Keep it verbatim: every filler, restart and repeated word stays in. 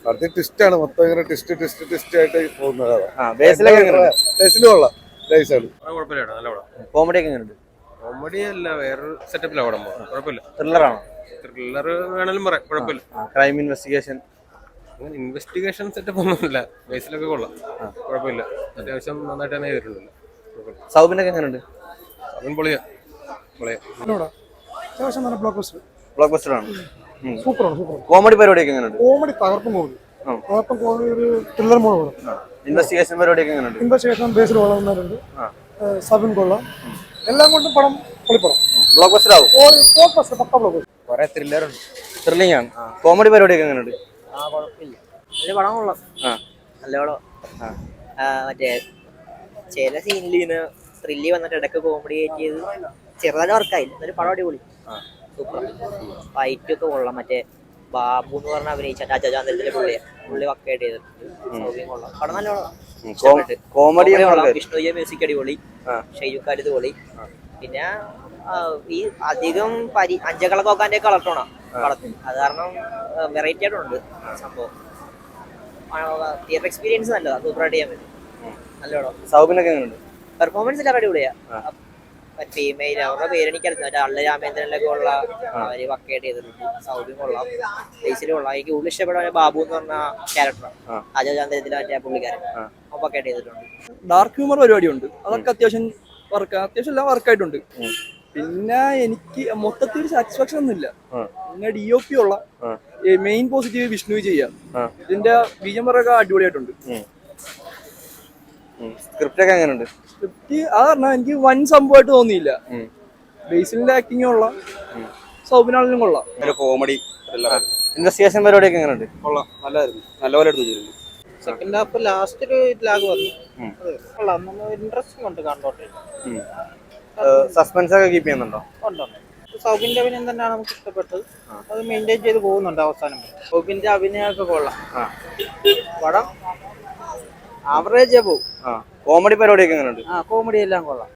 അത് ട്വിസ്റ്റാണ് മൊത്തം ഇങ്ങനെ ട്വിസ്റ്റ് ട്വിസ്റ്റ് ട്വിസ്റ്റ് ആയിട്ട് പോകുന്നത്. ബേസിലും കൊള്ളാം. കോമഡി ഒക്കെ എങ്ങനെയുണ്ട്? കോമഡി അല്ല, വേറൊരു സെറ്റപ്പിലാണ് പടം. കുഴപ്പമില്ല. ത്രില്ലറാണോ? ത്രില്ലർ വേണമെങ്കിലും പറയാം, കുഴപ്പമില്ല. ക്രൈം ഇൻവെസ്റ്റിഗേഷൻ അങ്ങനെ ഇൻവെസ്റ്റിഗേഷൻ സെറ്റപ്പ് ഒന്നുമില്ല. ബേസിലൊക്കെ കൊള്ളാം, കുഴപ്പമില്ല. അത്യാവശ്യം നന്നായിട്ട് തന്നെ ചെയ്തിട്ടുണ്ട്. സൗബിനൊക്കെ എങ്ങനെയുണ്ട്? അവൻ പൊളിയാ പൊളിയാ ബ്ലോക്ക് ബസ്റ്റർ ആണ്. സൂപ്പറാണ് സൂപ്പർ. കോമഡി പരിപാടിയൊക്കെ എങ്ങനെയുണ്ട്? കോമഡി തകർപ്പം കോമഡി തകർപ്പം കോമഡി ഒരു ത്രില്ലർ മോഡ്. ഇൻവെസ്റ്റിഗേഷൻ പരിപാടിയൊക്കെ എങ്ങനെയുണ്ട്? ഇൻവെസ്റ്റിഗേഷൻ ബേസിൽ വളർന്നവരുണ്ട്. സബിൻ കൊള്ളാം. എല്ലാം കൊണ്ടും പടം പൊളിപ്പടം. ബ്ലോക്ക് ബസ്റ്റർ ആവും. ബ്ലോക്ക് ബസ്റ്റർ, പക്ക ബ്ലോക്ക് ബസ്റ്റർ. കുറെ ത്രില്ലർ ഉണ്ട്. ത്രില്ലിംഗ് ആണ്. കോമഡി പരിപാടിയൊക്കെ എങ്ങനെയുണ്ട്? ആ കുഴപ്പമില്ല, ഒരു പടം കൊള്ളാം. നല്ല പടം. മറ്റേ ചില സീനിൽ ഇങ്ങനെ ത്രില്ലി വന്നിട്ട് ഇടയ്ക്ക് കോമഡി കയറ്റിയത് ചെറുതായിട്ട് വർക്കായില്ല. ഒരു പടം അടിപൊളി, സൂപ്പർ. ഫൈറ്റ് ഒക്കെ കൊള്ളാം. മറ്റേ ബാബു എന്ന് പറഞ്ഞ അഭിനയിച്ച അജാചാന്തരത്തിലെ പുള്ളിയെ പുള്ളി വക്കായിട്ട് ചെയ്തിട്ടുണ്ട്. സൗകര്യം കൊള്ളാം. പടം നല്ല പടം. കോമഡി വിഷ്ണുജയ മ്യൂസിക് അടിപൊളി, ഷെയ്ജു ഖാലിദ് പൊളി. പിന്നെ ഈ അധികം പരി അഞ്ചക്കള തോക്കാന്റെ കളർട്ടോണാ പടത്തിന്. അത് കാരണം വെറൈറ്റി ആയിട്ടുണ്ട് സംഭവം. തിയേറ്റർ എക്സ്പീരിയൻസ് നല്ലതാ, സൂപ്പറായിട്ട് ചെയ്യാൻ പറ്റും. നല്ല പടം. സൗബിനൊക്കെ എങ്ങനെയുണ്ട്? പെർഫോമൻസ് എല്ലാം അടിപൊളിയാ. ഫീമെയിൽ അവരുടെ പേരെനിക്കറിയാം. മറ്റേ അള്ള രാമേന്ദ്രനിലൊക്കെ ഉള്ള അവര് വക്കേട്ട് ചെയ്തിട്ടുണ്ട്. സൗബിൻ കൊള്ളാം, ബേസിൽ കൊള്ളാം. എനിക്ക് കൂടുതൽ ഇഷ്ടപ്പെട്ട ബാബു എന്ന് പറഞ്ഞ ക്യാരക്ടറാണ്. അജയചാന്ദ്രത്തിലെ മറ്റേ പുള്ളിക്കാരൻ വക്കേട്ട് ചെയ്തിട്ടുണ്ട്. ഡാർക്ക് ഹ്യൂമർ പരിപാടിയുണ്ട്, അതൊക്കെ അത്യാവശ്യം വർക്ക് അത്യാവശ്യം എല്ലാം വർക്കായിട്ടുണ്ട്. പിന്നെ എനിക്ക് മൊത്തത്തിൽ സാറ്റിസ്ഫാക്ഷൻ ഒന്നുമില്ല. പിന്നെ ഡി ഒ പി ഉള്ള മെയിൻ പോസിറ്റീവ് വിഷ്ണു ചെയ്യാം. ഇതിന്റെ ബീജം പറയൊക്കെ അടിപൊളിയായിട്ടുണ്ട്. സ്ക്രിപ്റ്റ് ഒക്കെ എങ്ങനെയുണ്ട്? സ്ക്രിപ്റ്റ് അത് പറഞ്ഞാൽ എനിക്ക് വൻ സംഭവമായിട്ട് തോന്നിയില്ല. ബേസിലിന്റെ ആക്ടിങ് കൊള്ളാം, സൗബിനാളിനും കൊള്ളാം. കോമഡി ഇൻവെസ്റ്റിഗേഷൻ പരിപാടിയൊക്കെ എങ്ങനെയുണ്ട്? കൊള്ളാം, നല്ലതായിരുന്നു. നല്ലപോലെ എടുത്തു വെച്ചിട്ടുണ്ട്. സെക്കൻഡ് ഹാഫ് ലാസ്റ്റ് ഒരു ലാഗ് വന്നു. കൊള്ളാം, നമ്മൾ ഇൻട്രസ്റ്റിംഗ് ഉണ്ട് കണ്ടോട്ടെ. സസ്പെൻസ് ഒക്കെ കീപ്പ് ചെയ്യുന്നുണ്ടോ? ഉണ്ടുണ്ട്. സൗബിന്റെ അഭിനയം തന്നെയാണ് നമുക്ക് ഇഷ്ടപ്പെട്ടത്. അത് മെയിൻറ്റെയിൻ ചെയ്ത് പോകുന്നുണ്ട് അവസാനം. സൗബിന്റെ അഭിനയമൊക്കെ കൊള്ളാം. പടം ആവറേജ് പോകും. കോമഡി പരിപാടിയൊക്കെ എങ്ങനെയുണ്ട്? ആ കോമഡി എല്ലാം കൊള്ളാം.